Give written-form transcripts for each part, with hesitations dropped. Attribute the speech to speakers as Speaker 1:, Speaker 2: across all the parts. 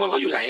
Speaker 1: มนต์เขาอยู่ไหน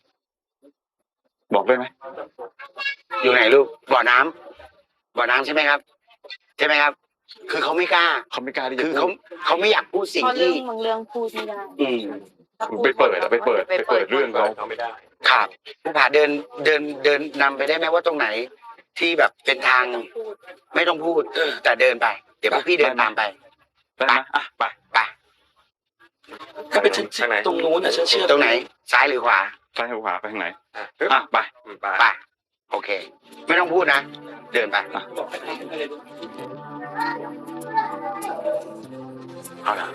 Speaker 2: บอกได้ไหมอยู่ไหนลูกบ่อน้ำใช่ไหมครับใช่ไหมครับคือเขาไม่กล้าที่จะคือเขาไม่อยากพูดสิ่งที่
Speaker 3: บางเรื่องพูดไม่ได้
Speaker 2: ไปเปิดเรื่องเขาไม่ได้ครับผู้ผ่าเดินนำไปได้ไหมว่าตรงไหนที่แบบเป็นทางไม่ต้องพูดแต่เดินไปเดี๋ยวพวกพี่เดินตามไปได้ไหมไป
Speaker 1: ก็ไปถึงตรงนู้นนะฉันเชื่อ
Speaker 2: ตรงไหนซ้ายหรือขวาซ้ายหรือขวาไปทางไหนไปโอเคไม่ต้องพูดนะเดินไปเอาละ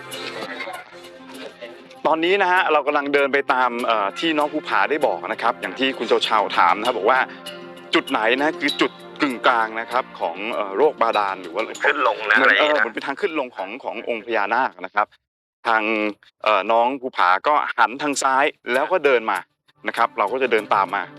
Speaker 2: ตอนนี้นะฮะเรากำลังเดินไปตามที่น้องภูผาได้บอกนะครับอย่างที่คุณเชาถามนะครับบอกว่าจุดไหนนะคือจุดกึ่งกลางนะครับของโรคบาดาลหรือว่า
Speaker 4: ขึ้นลงนะอะไร
Speaker 2: เหมือนเป็นทางขึ้นลงขององค์พญานาคนะครับทางน้องภูผาก็หันทางซ้ายแล้วก็เดินมานะครับเราก็จะเดินตามมา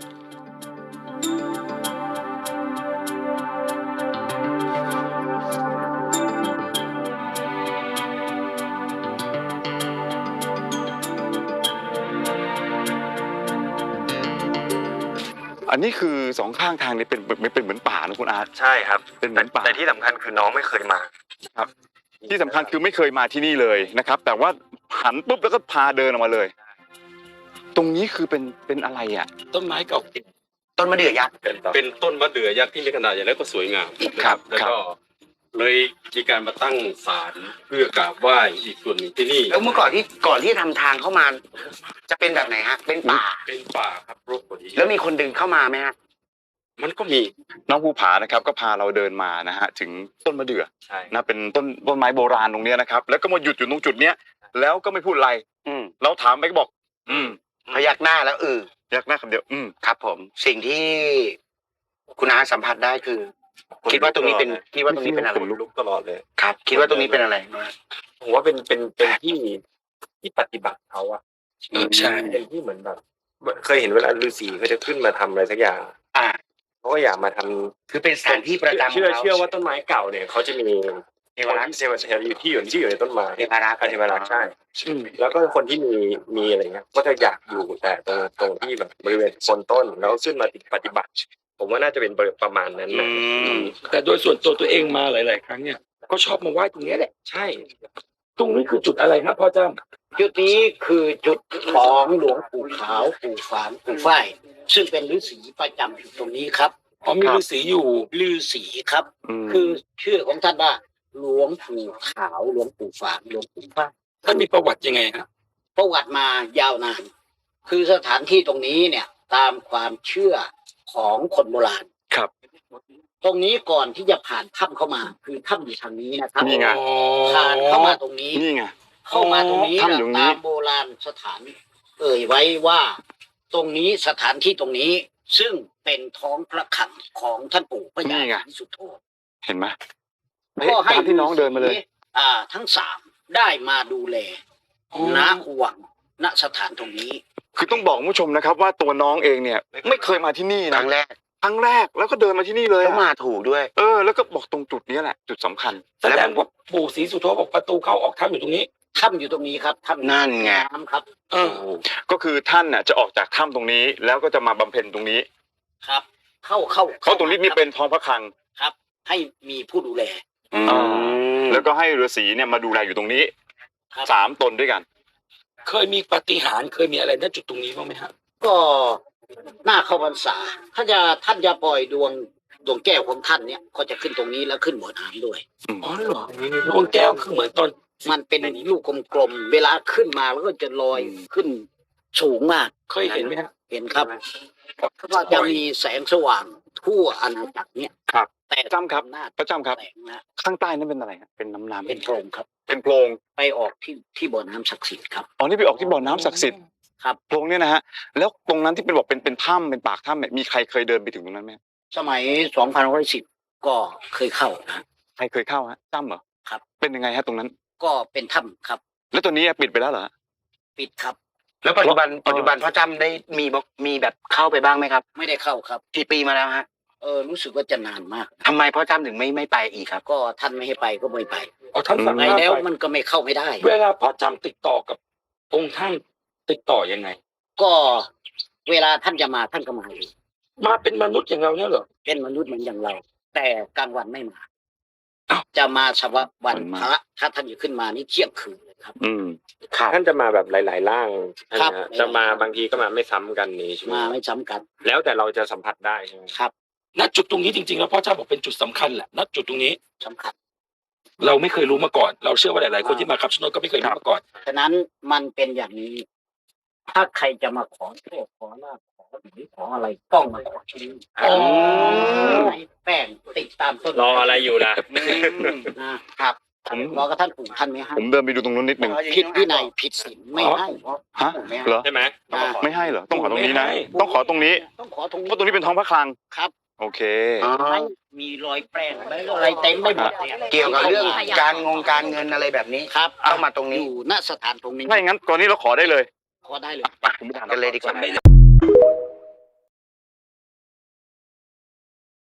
Speaker 2: อันนี้คือสองข้างทางนี่เป็นเหมือนป่านะคุณอาร์ต
Speaker 4: ใช่ครับ
Speaker 2: เป็นเหมือนป่า
Speaker 4: แต่ที่สำคัญคือน้องไม่เคยมา
Speaker 2: ครับที่สำคัญคือไม่เคยมาที่นี่เลยนะครับแต่ว่าหันปุ๊บแล้วก็พาเดินออกมาเลยตรงนี้คือเป็นอะไรอ่ะ
Speaker 1: ต้นไม้เก่า
Speaker 2: ต้นมะเดื่อยักษ์
Speaker 5: เป็นต้นมะเดื่อยักษ์ที่มีขนาดใหญ่แล้วก็สวยงาม
Speaker 2: ครับ
Speaker 5: แล้วก็เลยมีการมาตั้งศาลเพื่อกราบไหว้อีกส่วนหนึ่งที่นี่
Speaker 2: แล้วเมื่อก่อนที่ทำทางเข้ามาจะเป็นแบบไหนฮะเป็นป่า
Speaker 5: ครับรกกว่านี้
Speaker 2: แล้วมีคนดึงเข้ามาไหมฮะ
Speaker 5: มันก็มี
Speaker 2: น้องภูผานะครับก็พาเราเดินมานะฮะถึงต้นมะเดื่อ
Speaker 5: ใช่
Speaker 2: นะเป็นต้นไม้โบราณตรงนี้นะครับแล้วก็มาหยุดอยู่ตรงจุดเนี้ยแล้วก็ไม่พูดอะไรเราถามไปก็บอกพยักหน้าแล้วพยักหน้าคำเดียวครับผมสิ่งที่คุณอาสัมผัสได้คือคิดว่าตรงนี้เป็นอะไร
Speaker 5: ลุกตลอดเลย
Speaker 2: ครับคิดว่าตรงนี้เป็นอะไร
Speaker 4: ผมว่าเป็นที่ปฏิบัติเขาอะ
Speaker 1: ใช่
Speaker 4: เป็นที่เหมือนแบบเคยเห็นเวลาฤาษีเขาจะขึ้นมาทำอะไรสักอย่างเขาก็อยากมาทำ
Speaker 2: คือเป็นสถานที่ประจำ
Speaker 4: เชื่อว่าต้นไม้เก่าเนี่ยเขาจะมีเทวรักษ์อยู่ในต้นไม้
Speaker 2: เทวรักษ์
Speaker 4: ใช่แล้วก็คนที่มีอะไรเงี้ยก็จะอยากอยู่แต่ตรงที่แบบบริเวณโคนต้นแล้วขึ้นมาปฏิบัติผมว่าน่าจะเป็นประมาณนั้นนะ
Speaker 1: แต่โดยส่วนตัวเองมาหลายๆครั้งเนี่ยก็ชอบมาไหว้ตรงนี้แหละ
Speaker 4: ใช่
Speaker 1: ตรงนี้คือจุดอะไรครับพ่อจ้ำ
Speaker 6: จุดนี้คือจุดของหลวงปู่ขาวปู่ฝานปู่ฝ้ายซึ่งเป็นฤาษีประจำอยู่ตรงนี้ครับ
Speaker 1: มีฤาษีอยู่
Speaker 6: ฤาษีครับคือชื่อของท่านว่าหลวงปู่ขาวหลวงปู่ฝานหลวงปู่ฝ้าย
Speaker 1: ท่านมีประวัติยังไงครับ
Speaker 6: ประวัติมายาวนานคือสถานที่ตรงนี้เนี่ยตามความเชื่อของคนโบราณ
Speaker 2: ครับ
Speaker 6: ตรงนี้ก่อนที่จะผ่านถ้ำเข้ามาคือถ้ำอยู่ทางนี้นะครับ
Speaker 2: นี่ไง
Speaker 6: ผ่านเข้ามาตรงนี้
Speaker 2: นี่ไง
Speaker 6: เข้ามาตรงนี้ตามโบราณสถานไว้ว่าตรงนี้สถานที่ตรงนี้ซึ่งเป็นท้องพระคลังของท่านปู่พญาศรีสุโธ
Speaker 2: เห็นไหม
Speaker 6: ก็ให้
Speaker 2: ที่น้องเดินมาเลย
Speaker 6: ทั้งสามได้มาดูแลณวังณสถานตรงนี้
Speaker 2: คือต้องบอกผู้ชมนะครับว่าตัวน้องเองเนี่ยไม่เคยมาที่นี่นะครั้งแรกแล้วก็เดินมาที่นี่เลยแล้วมาถูกด้วยแล้วก็บอกตรงจุดนี้แหละจุดสำคัญ
Speaker 1: แสดงว่าปู่ศรีสุโธบอกประตูเข้าออกถ้ำอยู่ตรงนี้
Speaker 6: ถ้ำอยู่ตรงนี้ครับถ้ำ
Speaker 2: นั่นไง
Speaker 6: ครับ
Speaker 2: ก็คือท่านน่ะจะออกจากถ้ำตรงนี้แล้วก็จะมาบำเพ็ญตรงนี้
Speaker 6: ครับเข้า
Speaker 2: ตรงนี้นี่เป็นท้องพระคลัง
Speaker 6: ครับให้มีผู้ดูแล
Speaker 2: แล้วก็ให้ฤาษีเนี่ยมาดูแลอยู่ตรงนี้3 ตนด้วยกัน
Speaker 1: เคยมีปาฏิหาริย์เคยมีอะไรณจุดตรงนี้บ้างไหมครับ
Speaker 6: ก็หน้าเข้าพรรษาท่านจะปล่อยดวงแก้วของท่านเนี่ยก็จะขึ้นตรงนี้แล้วขึ้นบ่อน้ำด้วย
Speaker 1: อ๋อเหรอดวงแก้วคือเหมือนตอน
Speaker 6: มันเป็นลูกกลมๆเวลาขึ้นมาแล้วก็จะลอยขึ้นสูงมาก
Speaker 1: เคยเห็นไหมครับ
Speaker 6: เห็นครับก็จะมีแสงสว่างทั่วอาณาจักรเนี่ย
Speaker 2: ครับแต่จำครับพระจำครับข้างใต้นั้นเป็นอะไรครับเป็นน้ำ
Speaker 6: เป็นโพรงครับ
Speaker 2: เป็นโพรง
Speaker 6: ไปออกที่บ่อน้ำศักดิ์สิทธิ์ครับ
Speaker 2: อ๋อนี่ไปออกที่บ่อน้ำศักดิ์สิทธิ์
Speaker 6: ครับ
Speaker 2: โพรงเนี่ยนะฮะแล้วตรงนั้นที่เป็นบอกเป็นถ้ำเป็นปากถ้ำมีใครเคยเดินไปถึงตรงนั้นไหม
Speaker 6: สมัย2510ก็เคยเข้านะ
Speaker 2: ใครเคยเข้าฮะจำเหรอ
Speaker 6: ครับ
Speaker 2: เป็นยังไงฮะตรงนั้น
Speaker 6: ก็เป็นถ้ำครับ
Speaker 2: แล้วตัวนี้ปิดไปแล้วเหรอ
Speaker 6: ปิดครับ
Speaker 2: แล้วปัจจุบันพ่อจำได้มีแบบเข้าไปบ้างไหมครับ
Speaker 6: ไม่ได้เข้าครับ
Speaker 2: กี่ปีมาแล้วฮะ
Speaker 6: รู้สึกว่าจะนานมาก
Speaker 2: ทำไมพ่อจำถึงไม่ไปอีกครับ
Speaker 6: ก็ท่านไม่ให้ไปก็ไม่ไป
Speaker 1: ท่านสั่ง
Speaker 6: ไปแล้วมันก็ไม่เข้าไม่ได้
Speaker 1: เวลาพ่อจำติดต่อกับองค์ท่านติดต่อยังไง
Speaker 6: ก็เวลาท่านจะมาท่านก็มาเอง
Speaker 1: มาเป็นมนุษย์อย่างเราเนี่ยเหรอ
Speaker 6: เป็นมนุษย์เหมือนอย่างเรา แต่กลางวันไม่มา
Speaker 1: อ้าว
Speaker 6: จะมาเฉพาะวัน
Speaker 2: วันมา
Speaker 6: พระถ้าท่านอยู่ขึ้นมานี่เที่ยงคืนเลยครับ
Speaker 4: ท่านจะมาแบบหลาย ๆ ร่าง
Speaker 6: ครับ
Speaker 4: นะฮะจะมาบางทีก็มาไม่ซ้ำกันนี้ใช่ไหม
Speaker 6: มาไม่จำกัด
Speaker 4: แล้วแต่เราจะสัมผัสได้ใช่ไหม
Speaker 6: ครับ
Speaker 1: ณจุดตรงนี้จริงๆแล้วพ่อเจ้าบอกเป็นจุดสำคัญแหละณจุดตรงนี้
Speaker 6: สำคัญ
Speaker 1: เราไม่เคยรู้มาก่อน เราเชื่อว่าหลายๆคนที่มาคำชะโนดก็ไม่เคยรู้มาก่อน
Speaker 6: ฉะนั้นมันเป็นอย่างนี้ ถ้าใครจะมาขอโชคขอลาภขอหรือขออะไรต้องมาขอที่นี่
Speaker 1: อ๋อ
Speaker 6: ไหนแป้งติดตามต้น
Speaker 4: รออะไรอยู่ล่ะ
Speaker 6: นะครับ
Speaker 2: ผม
Speaker 6: รอกระท่านปู่ท่านไม่ให้
Speaker 2: ผมเดินไปดูตรงนู้นนิดหนึ่ง
Speaker 6: ผิดวินัยผิดศีลไม่ให้
Speaker 2: ฮะ
Speaker 6: ไม่ให้
Speaker 2: เหรอ
Speaker 4: ใช่ไหม
Speaker 2: ไม่ให้เหรอต้องขอตรงนี้นะ
Speaker 1: ไม่ให้
Speaker 2: ต้องขอตรงนี้
Speaker 6: ต้องขอตรงนี้
Speaker 2: เพราะตรงนี้เป็นท้องพระคลัง
Speaker 6: ครับ
Speaker 2: โอเค
Speaker 6: ไม่มีรอยแป้งอะไรเต็มไปหมดนี่
Speaker 3: เกี่ยวกับเรื่องการเงินอะไรแบบนี้
Speaker 6: ครับ
Speaker 3: เข้ามาตรงนี้
Speaker 6: อยู่ณสถานตรงนี้
Speaker 2: ถ้าอย่างนั้นก่อนนี้เราขอได้เลย
Speaker 6: ขอได้เลย
Speaker 2: ผมไปถาม
Speaker 3: กันเลยดีกว่า
Speaker 1: ฉันไม่